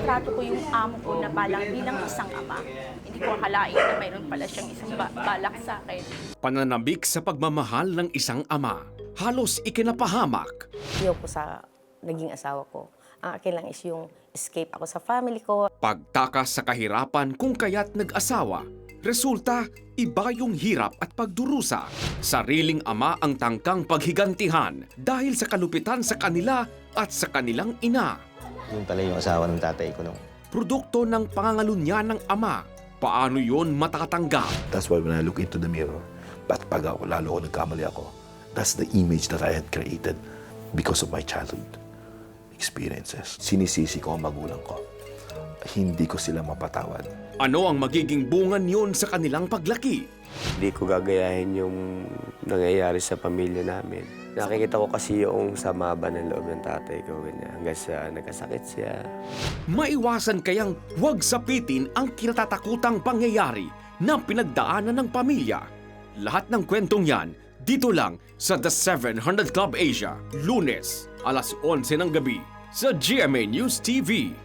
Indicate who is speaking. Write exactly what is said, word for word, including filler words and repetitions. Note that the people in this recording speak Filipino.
Speaker 1: tinatrato ko yung amo ko na balang bilang isang ama. Hindi ko akalain na mayroon pala siyang isang ba- balak sa akin.
Speaker 2: Pananabik sa pagmamahal ng isang ama. Halos ikinapahamak.
Speaker 3: Ayaw ko sa naging asawa ko. Ang akin lang is yung escape ako sa family ko.
Speaker 2: Pagtakas sa kahirapan kung kaya't nag-asawa. Resulta, iba yung hirap at pagdurusa. Sariling ama ang tangkang paghigantihan dahil sa kalupitan sa kanila at sa kanilang ina.
Speaker 4: Yung pala yung asawa ng tatay ko nung.
Speaker 2: Produkto ng pangangalunya ng ama. Paano yon matatanggap?
Speaker 5: That's why when I look into the mirror, ba't pag ako, lalo ako nagkamali ako, that's the image that I had created because of my childhood experiences. Sinisisi ko ang magulang ko. Hindi ko sila mapatawad.
Speaker 2: Ano ang magiging bungan yon sa kanilang paglaki?
Speaker 6: Hindi ko gagayahin yung nangyayari sa pamilya namin. Nakikita ko kasi yung sama ba ng loob ng tatay ko, ganyan, hanggang sa nagkasakit siya.
Speaker 2: Maiwasan kayang huwag sapitin ang kinatatakutang pangyayari na pinagdaanan ng pamilya. Lahat ng kwentong yan, dito lang sa The seven hundred Club Asia, Lunes, alas onse ng gabi, sa G M A News T V.